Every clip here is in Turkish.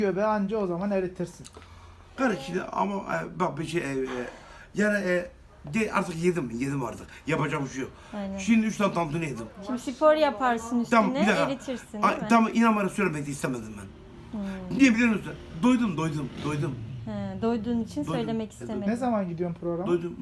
Göbeği anca o zaman eritirsin. Karıştı ama bak bir şey yani artık yedim artık. Yapacak bir şey yok. Aynen. Şimdi 3 tane tantuni yedim. Şimdi spor yaparsın üstüne, Tamam, bir dakika. eritirsin değil mi? Tamam, inan bana söylemek istemedim ben. Niye biliyor musun? Doydum. He, doyduğun için Doydum. söylemek Evet. istemedim. Ne zaman gidiyorsun programa? Doydum.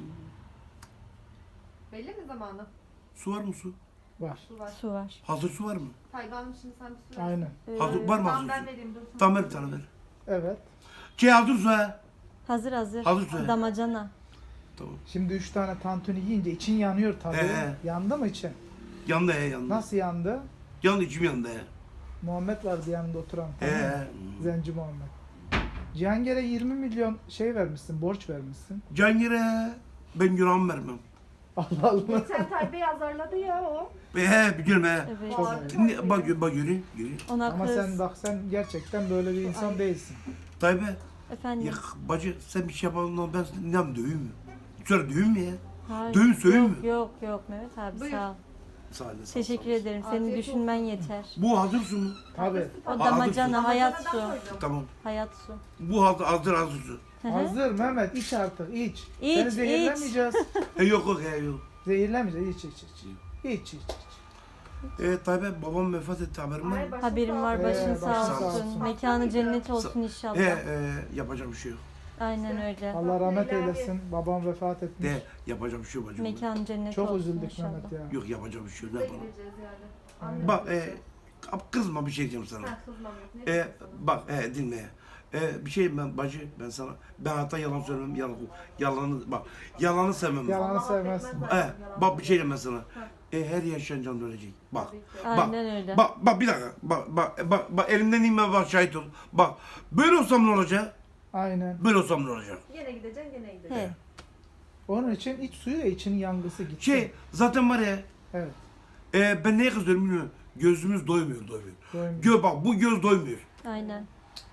Belli mi zamanı? Su var mı su? Var. Su var. Su var. Hazır su var mı? Tayvan'ın şimdi sen bir su ver. Aynen. Hazır var mı Tamam hazır ben su? vereyim dur. Tamam ver bir tane ver. Evet. Hazır su ha. Hazır. Hazır su. Damacana. Tamam. Şimdi 3 tane tantuni yiyince için yanıyor tabii. Yandı mı için? Yandı yandı. Nasıl yandı? Yandı içim yandı Muhammed vardı yanında oturan. he. Tamam mı? Zenci Muhammed. Cihangir'e 20 milyon şey vermişsin, borç vermişsin. Cangire ben günahımı vermem. Allah Allah. Geçen Tayyip'i azarladı ya o. Biliyorum he. Evet. Çok Bak göreyim. Ona Ama kız. sen gerçekten böyle bir insan değilsin. Tayyip Efendim. ya bacı sen bir şey yapalım ben seni ne döveyim mi? Şöyle döveyim mi ya? Hayır. Dövün söyleyeyim mi? Yok Mehmet abi Buyur. sağ ol. Sağ olun. Teşekkür ederim. Senin Afiyet düşünmen yeter. Bu hazır su mu? Tabii. O Hazır damacana, hayat su. Damacanadan koydum. Tamam. Hayat su. Bu hazır su. Hı hı. Hazır Mehmet iç artık iç. İç, Seni zehirlemeyeceğiz. Yok yok. Zehirlemeyeceğiz iç. İç. Tayyip babam vefat etti haberim var Ay, mı? başın Haberim sağ var, olsun. başın başın sağ sağ olsun. olsun. Mekanı cennet olsun inşallah. Yapacak bir şey yok. Aynen öyle. Allah rahmet İlahi. eylesin. Babam vefat etmiş. Yapacak bir şey yok bacım. Mekanı cennet Çok olsun üzüldük inşallah. Mehmet ya. Yok yapacak bir şey yok. Biz Ne de yapalım? gideceğiz yani. Aynen. Bak kızma bir şey diyeceğim sana. Ha, kızmam yok. Ne diyorsun sana? Bak dinle. Bir şey ben sana hatta yalan söylemem yalanı sevmem. Yalanı Allah sevmezsin. affetmez zaten yalan. Bak bir şey diyeyim ben sana. Her yaşayan can ölecek. Bak. Tabii ki. Aynen öyle. Bak bir dakika. Bak elimden inme bak şahit ol. Bak böyle olsam ne olacak? Aynen. Böyle olsam ne olacak? Gene gideceksin gene gideceksin. He. Onun için iç suyu da için yangısı gitti. Zaten var ya Evet. ben neye kızıyorum bilmiyorum. Gözümüz doymuyor. Doymuyor. Bak bu göz doymuyor. Aynen.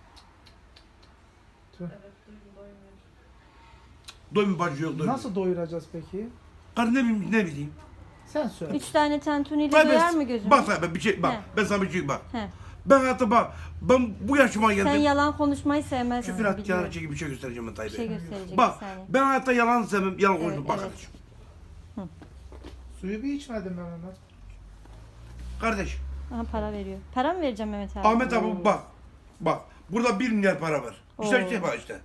Evet duydum doymuyor. Doymuyor bacı yok doymuyor. Nasıl doyuracağız peki? Karı ne bileyim. Sen söyle. 3 tane tantuniyle Tabii, doyar mı gözün? Bak tabii bir şey bak. He. Ben sana bir şey bak. He. Ben hayatta bak. Ben bu yaşıma Sen geldim. yalan konuşmayı sevmezsin. Küfür at biliyorum. kenara çekip bir şey göstereceğim ben Bir Tayyip'e. şey gösterecek Bak bir saniye. ben hayatta yalan sevmem. Yalan konuşmam. Evet, Bak evet. kardeşim. Suyu bir içmedim ben Mehmet. Kardeş. Aha para veriyor. Para mı vereceğim Mehmet abi? Ahmet abi bak. Bak. Burada 1 milyar para var. İşte Oo. işte bak işte.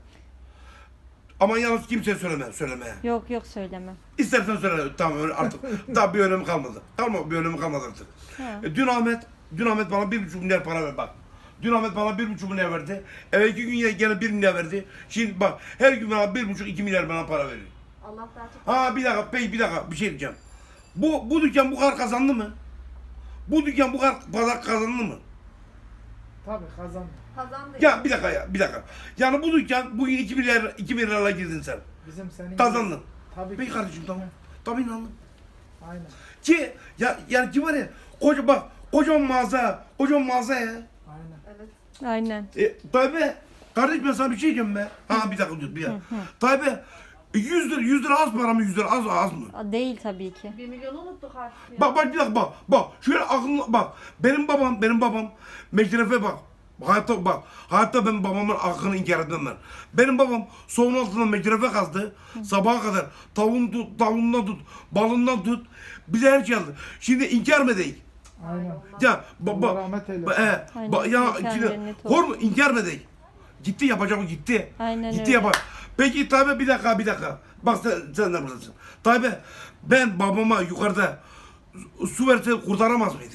Ama yalnız kimseye söyleme. Yok söyleme. İstersen söyle. Tamam öyle artık. Daha bir önemi kalmadı. Bir önemi kalmadı artık. Ha. Dün Ahmet bana 1,5 milyar para verdi bak. Dün Ahmet bana 1,5 milyar verdi. Evvelki gün yine gene 1 milyar verdi. Şimdi bak her gün bana 1,5-2 milyar bana para veriyor. Allah daha çok. Ha bir dakika bir şey diyeceğim. Bu dükkan bu kadar kazandı mı? Bu dükkan bu kadar kazandı mı? Tabii kazandı. Kazandı. Ya bir dakika. Yani bu dükkan bugün 2 milyarla girdin sen. Bizim senin Kazandın. Tabii Peki ki. kardeşim tamam. Tabii inandım. Aynen. Ki yani ki var ya kocaman mağaza ya. Aynen. Evet. Aynen. Tabii kardeş ben sana bir şey diyeceğim be. Ha bir dakika dur bir dakika. Tabii 100 lira az para mı 100 lira az mı? Değil tabii ki. 1 milyonu unuttuk artık ya. Bak bir dakika bak. Şöyle aklına bak. Benim babam meşrefe bak. Hayatta ben babamın hakkını inkar etmem ben. Benim babam soğun altından meşrefe kazdı. Sabaha kadar tavuğundan tut, balından tut. Bize her şey aldı. Şimdi inkar mı değil? Aynen. Ya Allah rahmet eylesin. Aynen, mekan cennet olsun. hor mu inkar mı değil? Gitti yapacak gitti. Aynen Gitti öyle. yapar. Peki tabi bir dakika. Bak sen de buradasın. Tabi ben babama yukarıda su verse kurtaramaz mıydım?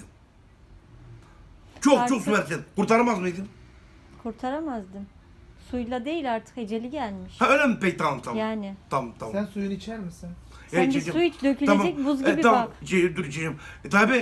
Çok Artık- su versen kurtaramaz mıydım? Kurtaramazdım. Suyla değil artık eceli gelmiş. Ha öyle mi? Peki tamam. Yani. Tamam. Sen suyunu içer misin? Sen bir içeceğim. su iç, dökülecek buz gibi tamam. bak. Dur içeceğim. Tabi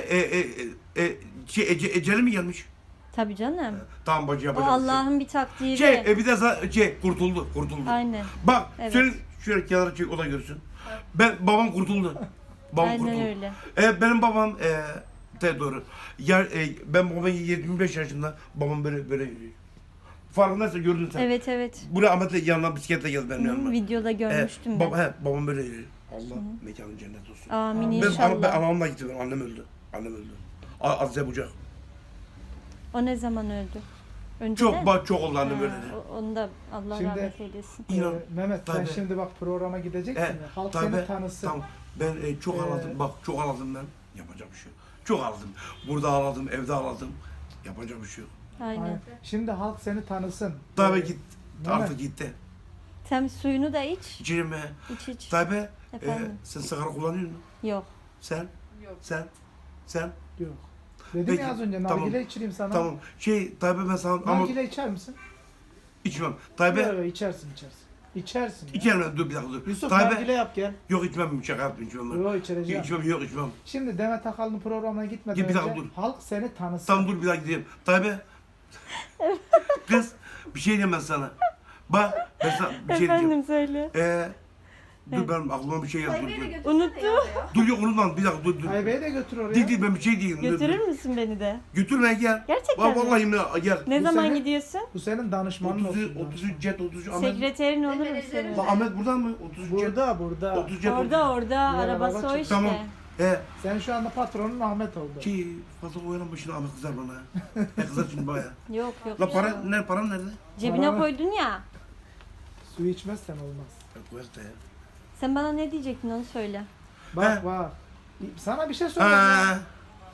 eceli mi gelmiş? Tabii canım. Tamam bacı O yapacağım. Allah'ın bir takdiri. Bir de kurtuldu. Aynen. Bak Evet. senin şöyle kenara çek o da görsün. Babam kurtuldu. Babam Aynen kurtuldu. öyle. Benim babam doğru. Ben babam 25 yaşında babam böyle yürüyor. Farkındaysan gördün sen. Evet. Buraya Ahmet'le yanına bisikletle geldi benim yanıma. Videoda görmüştüm ben. Babam böyle yürüyor. Allah mekanı cennet olsun. Amin Ben inşallah. anamla gittim. Annem öldü. Azize Bucak. O ne zaman öldü? Önceden. Çok oldu anne Ha, böyle de. Onu da Allah Şimdi- rahmet eylesin. İnan. Mehmet sen Tabii. şimdi bak programa gideceksin ya. Halk tabii, seni tanısın. Tamam. Ben çok ağladım. Bak çok ağladım ben. Yapacak bir şey yok. Çok ağladım. Burada ağladım, evde ağladım. Yapacak bir şey yok. Aynen. Aynen. Şimdi halk seni tanısın. Tabii Ee, git. Mehmet, Artık gitti. Sen suyunu da iç. İçerim mi? İç iç. Tabii. Efendim? Sen sigara kullanıyor musun? Yok. Sen? Yok. Sen? Yok. Dedim Peki, ya az önce tamam. nargile içireyim sana. Tamam. Tabii ben sana ama Nargile içer misin? içmem. Yok Tabii. yok içersin. İçersin. ya. İçerim ben. Dur bir dakika dur. Yusuf Tabii. nargile yap gel. Yok içmem. Şaka yaptım içmem ben. Yok içireceğim. İçmem. Şimdi Demet Akalın programına gitmeden Bir dakika önce dur. halk seni tanısın. Tamam dur bir daha gideyim. Tabii. Kız bir şey diyeyim ben sana. Bak ben sana bir şey diyeceğim. Efendim söyle. Dur ben aklıma bir şey geldi. Haybe'yi de Dur. götürsene Unuttum. ya oraya. Dur yok unutma bir dakika dur. Aybe'yi de götür oraya. Değil ben bir şey diyeyim. Dur, Götürür dur. müsün beni de? Götürme gel. Gerçekten mi? Vallahi gel. Ne Bu zaman sene- gidiyorsun? Bu senin danışmanın 33 olsun. 33 Cet 33 Ahmet. Sekreterin olur mu Menajerim. senin? Lan Ahmet burada mı? 33 Cet. Burada. 30 Cet. Orada arabası o araba işte. Tamam. Sen şu anda patronun Ahmet oldu. Ki fazla oyalanma şimdi Ahmet kızar bana. Ne kızar şimdi baya. Yok yok. La param nerede? Cebine Paranı- koydun ya. Su içmezsen olmaz. Koyar da ya. Sen bana ne diyecektin onu söyle. Bak He. bak. Sana bir şey söyleyeyim ya. Ha.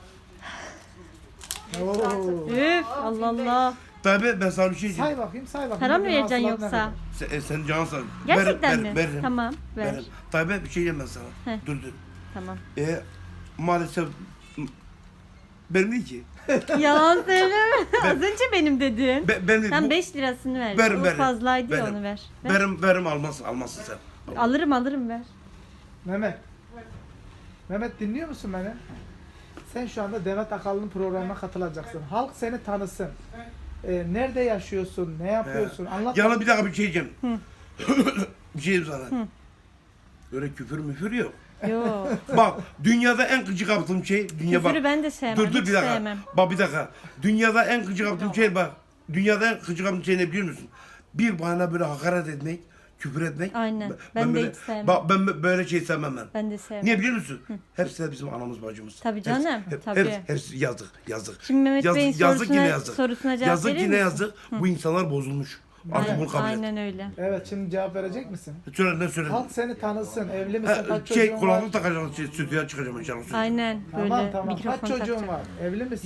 Oo. Üf Allah Allah. Tabii ben sana bir şey diyeceğim. Say bakayım say bakayım. Para mı Bugün vereceksin hasılat ne yoksa? kadar? Sen canın sağ. Gerçekten mi? Veririm. Tamam ver. Veririm. Tabii bir şey diyeyim ben sana. He. Dur. Tamam. Maalesef benim değil ki. Yalan söyleme. Az önce benim dedin. Ben Sen bu- 5 lirasını ver. Verim, O verim. fazlaydı ya Verim. onu ver. ver. Verim almazsın sen. Alırım ver. Mehmet. Mehmet dinliyor musun beni? Sen şu anda Demet Akalın'ın programına katılacaksın. Halk seni tanısın. Nerede yaşıyorsun? Ne yapıyorsun? Anlat. Yana bir dakika bir şey diyeceğim. bir şey diyeyim sana. Öyle küfür müfür yok. Yok. Bak dünyada en gıcık yaptığım şey dünya bak. Küfürü ben de sevmem. Dur hiç bir dakika. sevmem. Bak bir dakika. Dünyada en gıcık yaptığım şey bak. Dünyada en gıcık yaptığım şey ne biliyor musun? Bir bana böyle hakaret etmek, küfür etmek. Aynen. Ben de böyle, hiç sevmem. Bak ben böyle şey sevmem ben. Ben de sevmem. Niye biliyor musun? Hepsi de bizim anamız bacımız. Tabii canım, tabii. Hepsi yazık. Şimdi Mehmet Bey'in yazık. sorusuna cevap Yazık verir yine misin? yazık. Bu insanlar bozulmuş. Artık bunu kabul et. Aynen öyle. Evet şimdi cevap verecek misin? Söyle ne söyle. Halk seni tanısın. Evli misin? Kaç çocuğun Şey var? kulaklık takacağım, stüdyoya çıkacağım inşallah. Aynen böyle Tamam. mikrofon Kaç çocuğun takacağım. var? Evli misin?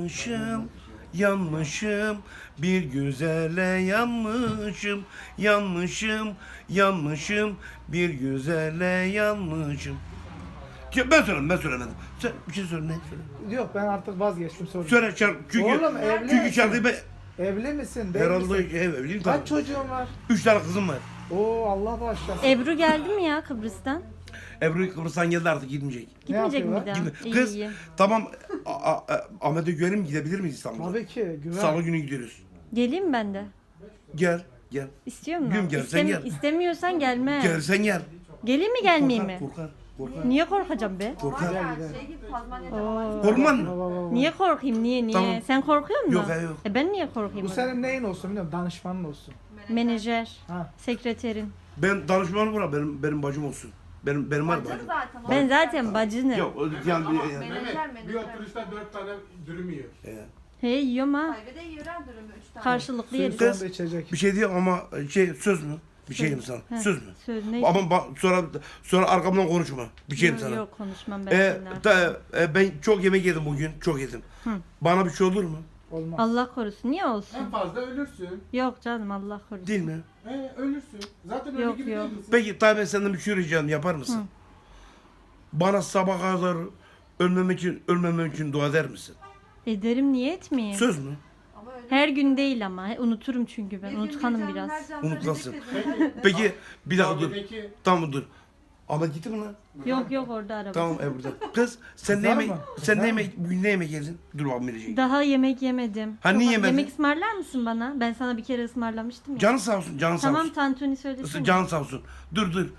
Yanmışım, bir güzele yanmışım, bir güzele yanmışım. Ben söylemedim. Sen bir şey söyle ne? Söyle. Yok ben artık vazgeçtim soruyu. Söyle çünkü Oğlum, evli çünkü misin? şarkıyı ben Evli misin? Değil herhalde misin? evliyim Kaç tabii. çocuğun var? 3 tane kızım var. Oo Allah bağışlasın. Ebru geldi mi ya Kıbrıs'tan? Ebru Kıbrıs'tan geldi artık gitmeyecek. Gitmeyecek mi yapıyorlar? bir daha? Gitme. İyi, Kız iyi. tamam Ahmet'e güvenim gidebilir miyiz İstanbul'a? Tabii ki güven. Salı günü gidiyoruz. Geleyim ben de. Gel. İstiyor musun? Bilmiyorum, gel, sen gel. İstemiyorsan gelme. Gelsen gel. Geleyim mi gelmeyeyim mi? Korkar. Niye korkacağım be? Korkar. Var ya şey gibi Tazmanya'da var. Oo. Korkman mı? Baba, baba. Niye korkayım? Niye? Tamam. Sen korkuyor musun? Yok, yok. Ben niye korkayım? Bu o zaman? senin neyin olsun biliyorum danışmanın olsun. Menajer, Ha. sekreterin. Ben danışmanım var benim bacım olsun. Benim var Bacım bacım. zaten. o. Ben zaten bacınım. Yok yani Ama yani. menajer Bir menajer. oturuşta 4 tane dürüm yiyor. Hey yiyorum ha. Haybe de yiyor ha dürümü 3 tane. Karşılıklı Suyun yeriz. sonunda içecek. Bir şey diyeyim ama söz mü? Bir şey diyeyim sana. Heh. Söz mü? Söz ne? Ama sonra arkamdan konuşma. Bir şey diyeyim sana. Yok konuşmam ben seninle. Ben çok yemek yedim bugün. Çok yedim. Bana bir şey olur mu? Olmaz. Allah korusun. Niye olsun? En fazla ölürsün. Yok canım Allah korusun. Değil mi? Ölürsün. Zaten öyle Yok, gibi yok. değil misin? Peki tabii ben senden bir şey ricam yapar mısın? Bana sabah kadar ölmemem için dua eder misin? Ederim niye etmeyeyim? Söz mü? Ama öyle. Her gün değil ama. Unuturum çünkü ben. Bir gün Unutkanım bir can, biraz. her can Unutkansın. söyleyecek dedim. Peki bir dakika dur. Peki Tamam dur. Ama gitti mi lan? Yok orada araba. Tamam burada. Kız sen ne Kızar yemek mı? sen ne Kızar yemek bugün ne yemek yedin? Dur bakalım verecek. Daha yemek yemedim. Ha, niye yemedin? Yemek ısmarlar mısın bana? Ben sana bir kere ısmarlamıştım ya. Canın sağ olsun, canın sağ Tamam olsun. tantuni söylesene. Canın sağ olsun. Dur. dur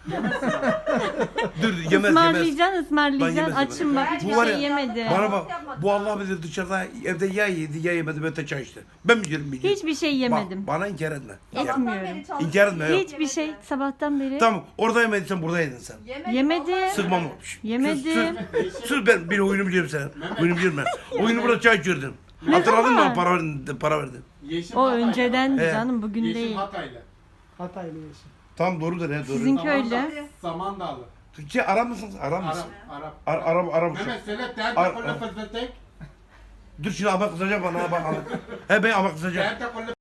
yemez. Ismarlayacaksın Ben ısmarlayacaksın. yemez, Açım bak yemez. hiçbir Bu var şey ya, yemedim. Bana bak. Bu Allah bilir dışarıda evde ya yedi ya yemedi ben de çay içti. Ben bilirim. Hiçbir şey yemedim. Bana inkar etme. Etmiyorum. Sabahtan beri çalışıyor. İnkar etme yok. Hiçbir şey sabahtan beri Tamam orada yemediysen burada yedin sen. Yemedim. Sıkmam. Yemedim. Sır ben bir oyunu biliyorum sen. Oyunu biliyorum ben. Oyunu burada çay içiyordun. Hatırladın mı? zaman? Para verdin. Yeşim O Hataylı. öncedendi He. canım, bugün Yeşim değil. Hataylı. Hataylı yeşil. Tam doğrudur he doğru. Sizinki öyle. Samandağlı. Türkçe Arap mısınız? Arap mısın? Arap. Arap. Mehmet söyle Ar- teyze kolle fılfıltek. Dur şimdi ama kızacak bana ha bak. He ben ama kızacak. Teyze kolle